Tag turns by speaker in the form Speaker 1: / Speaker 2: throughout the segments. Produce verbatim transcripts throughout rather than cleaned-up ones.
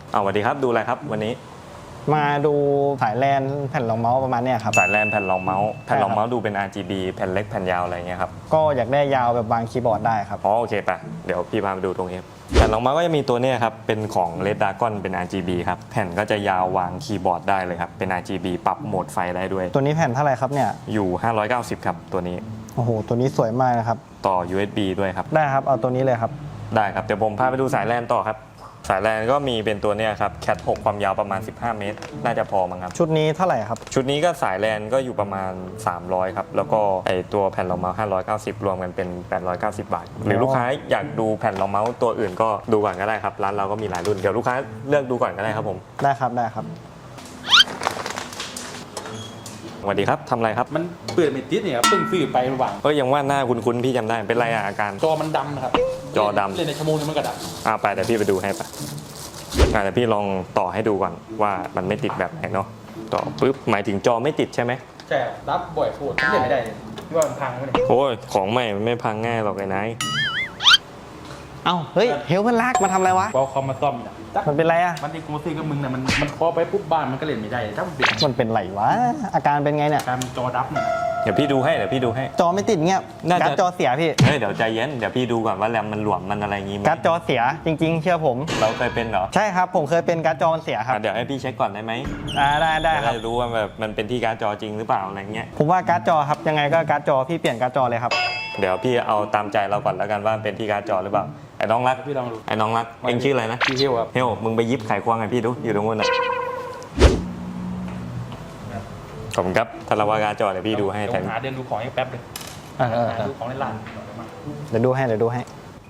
Speaker 1: เอาสวัสดีครับดูอะไรครับวันนี้
Speaker 2: มาดูสายแลนแผ่นรองเมาส์ประมาณเนี้ยครับ
Speaker 1: สายแลนแผ่นรองเมาส์แผ่นรองเมาส์ดูเป็น อาร์ จี บี แผ่นเล็กแผ่นยาวอะไรเงี้ยครับ
Speaker 2: ก็อยากได้ยาวแบบวางคีย์บอร์ดได้ครับ
Speaker 1: อ๋อโอเคป่ะเดี๋ยวพี่พาไปดูตรงนี้แผ่นรองเมาส์ก็จะมีตัวนี้ครับเป็นของ Red Dragon เป็น อาร์ จี บี ครับแผ่นก็จะยาววางคีย์บอร์ดได้เลยครับเป็น อาร์ จี บี ปรับโหมดไฟได้ด้วย
Speaker 2: ตัวนี้แผ่นเท่าไหร่ครับเนี่ย
Speaker 1: อยู่ห้าร้อยเก้าสิบครับตัวนี้
Speaker 2: โอ้โหตัวนี้สวยมากนะครับ
Speaker 1: ต่อ ยู เอส บี ด้วยครับ
Speaker 2: ได้ครับเอาตัวนี้เลยครับ
Speaker 1: ได้ครับเดี๋ยวผมพาไปดูสายแลนต่อครับสายแลนก็มีเป็นตัวเนี้ยครับแคทหกความยาวประมาณสิบห้าเมตรน่าจะพอมั้งครับ
Speaker 2: ชุดนี้เท่าไหร่ครับ
Speaker 1: ชุดนี้ก็สายแลนก็อยู่ประมาณสามร้อยครับแล้วก็ไอตัวแผ่นรองเมาส์ห้าร้อยเก้าสิบรวมกันเป็นแปดร้อยเก้าสิบบาทหรือลูกค้าอยากดูแผ่นรองเมาส์ตัวอื่นก็ดูก่อนก็ได้ครับร้านเราก็มีหลายรุ่นเดี๋ยวลูกค้าเลือกดูก่อนก็ได้ครับผม
Speaker 2: ได้ครับได้ครับ
Speaker 1: สวัสดีครับทำอะไรครับ
Speaker 3: มันเปิดไม่ติดเนี่ยเพิ่งซื้อไประหว่าง
Speaker 1: ก็ยังว่าหน้าคุ้นๆพี่จำได้เป็นไรอาการ
Speaker 3: จอมันดำครับ
Speaker 1: จอดำ
Speaker 3: เล่นในชั่วโมงนึงมันก็ด
Speaker 1: ำอ่าไปเดี๋ยวพี่ไปดูให้ปะอ่าเดี๋ยวพี่ลองต่อให้ดูก่อนว่ามันไม่ติดแบบไหนเนาะต่อปุ๊บหมายถึงจอไม่ติดใช่ไหม
Speaker 3: ใช่รับบ่อยโคตรเล่นไม่ได้เลยที่ว่ามันพังไหมเนี่ย
Speaker 1: โอ้ยของใหม่มันไม่พังง่ายหรอกไอ้นาย
Speaker 2: เอ้าเฮ้ยเฮลมันลากมาทำอะไรวะ
Speaker 3: พอคอมมาซ่อมเนี่ย
Speaker 2: มันเป็นไรอะ
Speaker 3: มันที่กูซื้อกับมึงเนี่ยมันมันพอไปปุ๊บบ้านมันก็เล่นไม่ได้ถ้ามันเปลี่ยน
Speaker 2: มันเป็นไรวะอาการเป็นไงเนี่ย
Speaker 3: การจอดับเนี่ย
Speaker 1: เดี๋ยวพี่ดูให้เดี๋ยวพี่ดูให้
Speaker 2: จอไม่ติดเงี้ยการ์ดจอเสียพี่
Speaker 1: เฮ้ยเดี๋ยวใจเย็นเดี๋ยวพี่ดูก่อนว่าแรมมันหลวมมันอะไรงี้
Speaker 2: การ์ดจอเสียจริงๆเชื่อผม
Speaker 1: เราเคยเป็นเหรอ
Speaker 2: ใช่ครับผมเคยเป็นการ์ดจอมันเสียครับ
Speaker 1: เดี๋ยวให้พี่เช็คก่อนได้ไหม
Speaker 2: อ่าได้ได้ครับ
Speaker 1: จะรู้ว่าแบบมันเป็นที่การ์ดจอจริงหรือเปล่าอะไรเงี้ย
Speaker 2: ผมว่าการ์ดจอครับยังไงก็การ์ดจอพี่เปลี่ยนการ์ดจอเลยครับ
Speaker 1: เดี๋ยวพี่เอาตามใจเราก่อนแล้วกันว่าเป็นที่การ์ดจอหรือเปล่าไอ้น้องรัก
Speaker 3: พี่ลองดู
Speaker 1: ไอ้น้องรักเอ็งชื่ออะไรนะ
Speaker 3: พี่เฮลครับ
Speaker 1: เฮลมึงไปยิบไขควงให้พี่ดูอยู่ตรงนู้นนะขอบคุณครับถ้าเราว่าการ์ดจอเดี๋ยวพี่ดูให้
Speaker 3: แต่หาเดินดูของให้แป๊บเลยหาดูของในร้าน
Speaker 2: เดี๋ยวดูให้เดี๋ยวดูให้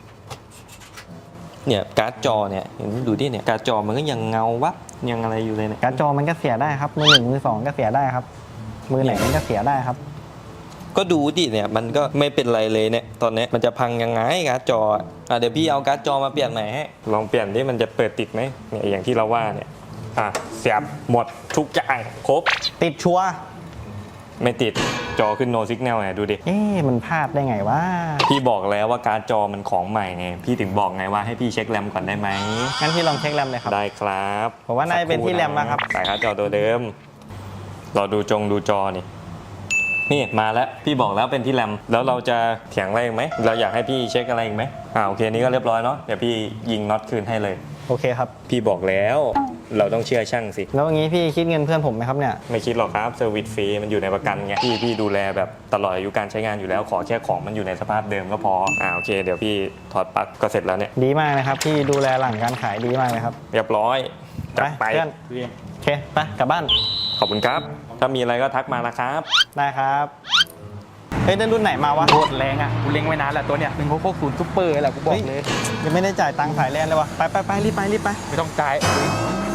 Speaker 1: เนี่ยการ์ดจอเนี่ยเห็นดูดิเนี่ยการ์ดจอมันก็ยังเงาวับยังอะไรอยู่เลยเนี่ย
Speaker 2: การ์ดจอมันก็เสียได้ครับมือหนึ่งมือสองก็เสียได้ครับมือไหนมันก็เสียได้ครับ
Speaker 1: ก็ดูดิเนี่ยมันก็ไม่เป็นไรเลยเนี่ยตอนนี้มันจะพังยังไงการ์ดจออ่ะเดี๋ยวพี่เอาการ์ดจอมาเปลี่ยนใหม่ให้ลองเปลี่ยนดิมันจะเปิดติดไหมเนี่ยอย่างที่เราว่าเนี่ยอ่ะเสียบหมดทุกอย่างครบ
Speaker 2: ติดชัวร์
Speaker 1: ไม่ติดจอขึ้น no signal ไงดูดิ
Speaker 2: เอ๊ะมันพลาดได้ไงวะ
Speaker 1: พี่บอกแล้วว่าการ์ดจอมันของใหม่ไงพี่ถึงบอกไงว่าให้พี่เช็คแรมก่อนได้ไหม
Speaker 2: งั้นพี่ลองเช็คแรมเลยครับ
Speaker 1: ได้ครับ
Speaker 2: ผมว่าน่าจะเป็นที่แรมนะครับ
Speaker 1: สายการ์ดจอตัวเดิมรอดูจงดูจอนี่นี่มาแล้วพี่บอกแล้วเป็นที่แรมแล้วเราจะเถียงอะไรอีกไหมเราอยากให้พี่เช็คอะไรอีกไหมอ่าโอเคนี่ก็เรียบร้อยเนาะเดี๋ยวพี่ยิงน็อตคืนให้เลย
Speaker 2: โอเคครับ
Speaker 1: พี่บอกแล้วเราต้องเชื่อช่างสิ
Speaker 2: แล้วอย่างนี้พี่คิดเงินเพื่อนผมไหมครับเนี่ย
Speaker 1: ไม่คิดหรอกครับเซอร์วิสฟรีมันอยู่ในประกันไงพี่พี่ดูแลแบบตลอดอายุการใช้งานอยู่แล้วขอแค่ของมันอยู่ในสภาพเดิมก็พออ่าโอเคเดี๋ยวพี่ถอดปลั๊กก็เสร็จแล้วเนี่ย
Speaker 2: ดีมากนะครับพี่ดูแลหลังการขายดีมากเลยครับ
Speaker 1: เรียบร้อย
Speaker 2: จัดไปเพื่อนโอเคไปกลับบ้าน
Speaker 1: ขอบคุณครับถ้ามีอะไรก็ทักมานะครับ
Speaker 2: ได้ครับเฮ้ยได้รุ่นไหนมาวะ
Speaker 3: โคตรแรงอ่ะกูเล็งไว้นานแล้วตัวเนี้ยหนึ่งหกหกศูนย์ซุปเปอร์แหละกูบอกเลย
Speaker 2: ยังไม่ได้จ่ายตังค์สายแลนเลยวะไปไปไปรีบไปรีบไป
Speaker 3: ไม่ต้องจ่าย